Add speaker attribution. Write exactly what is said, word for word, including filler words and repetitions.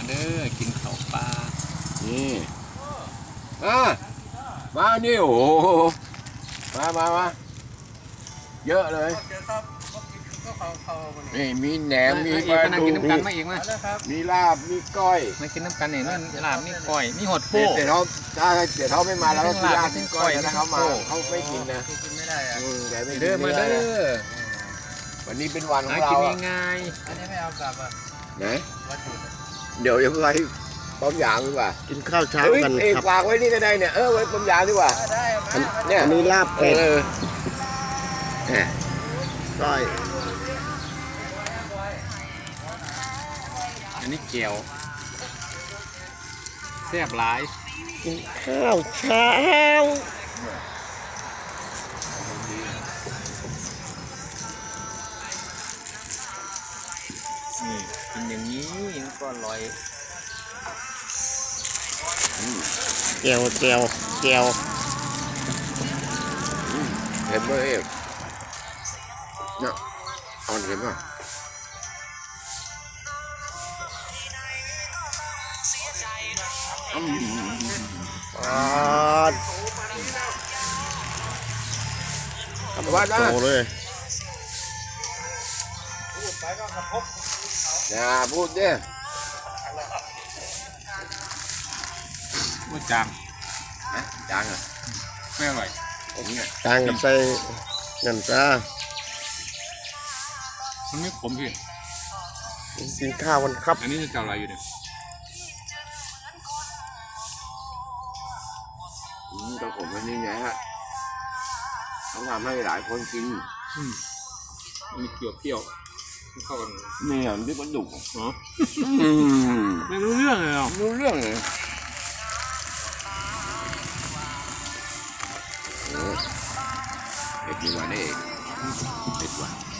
Speaker 1: เด้อกินข้าวปลา
Speaker 2: นี่อ่ามานี่โอ้โหมามามาเยอะเลยนี่มีแหนมมีปลาดุกมี มีลาบมีก้อย
Speaker 1: มากินน้ำกันเนี่ยนี่ลาบนี่ก้อยนี่หดโป้
Speaker 2: เดี๋ยวเขาถ้าเดี๋ยวเขาไม่มาแล้วก็กินลาบกินก้อยถ้าเขามาเขาไม่กินนะ
Speaker 1: กินไม่ได้อะ
Speaker 2: เด้อ
Speaker 1: มาเด้อ
Speaker 2: วันนี้เป็นวันของเรา
Speaker 1: กินง่าย
Speaker 3: อันนี้ไม่เอากลับอ่ะ
Speaker 2: ไหนเดี๋ยวจะไปป้อมยางดีกว่า
Speaker 4: กินข้าวเช้ากัน
Speaker 2: ครับวางไว้นี่ก็ได้เนี่ยเออไว้ป้อมยางดีกว่า
Speaker 4: เนี่ยอันนี้ลาบเป็ดก้อย
Speaker 1: อันนี้เกี๊ยวแซ่บหลาย
Speaker 4: กินข้าวเช้า
Speaker 1: นี่กินอย่างนี้ก็อร่อย
Speaker 4: เจียวเจียวเจียว
Speaker 2: เห็นไหมเอ๊ะเนี่ยอ่อนเห็นป่ะ
Speaker 4: อ่า
Speaker 2: ทำว่าได้
Speaker 4: เลย
Speaker 2: อย่าพูดเนี่ย
Speaker 1: ว่าจาง
Speaker 2: ฮะจางเหรอ
Speaker 1: ไม่อร่อย
Speaker 2: ผมเนี่ย
Speaker 4: จางกับใส่เงินจ้า
Speaker 1: มันไม่ขมพี่
Speaker 4: กินข้าววันครับ
Speaker 1: อันนี้จะเจ้าอะไรอยู่เนี่ย
Speaker 2: อืมแต่ผมวันนี้ไงฮะเขาทำให้หลายคนกิน
Speaker 1: อืมมีเกลือเปรี้ยวเข้ากัน
Speaker 2: ไม่เห็นที่มันดุ
Speaker 1: เหรอไม่รู้เรื่องเลยหรอ
Speaker 2: รู้เรื่องเลยเด็กดีกว่านี่เด็กกว่า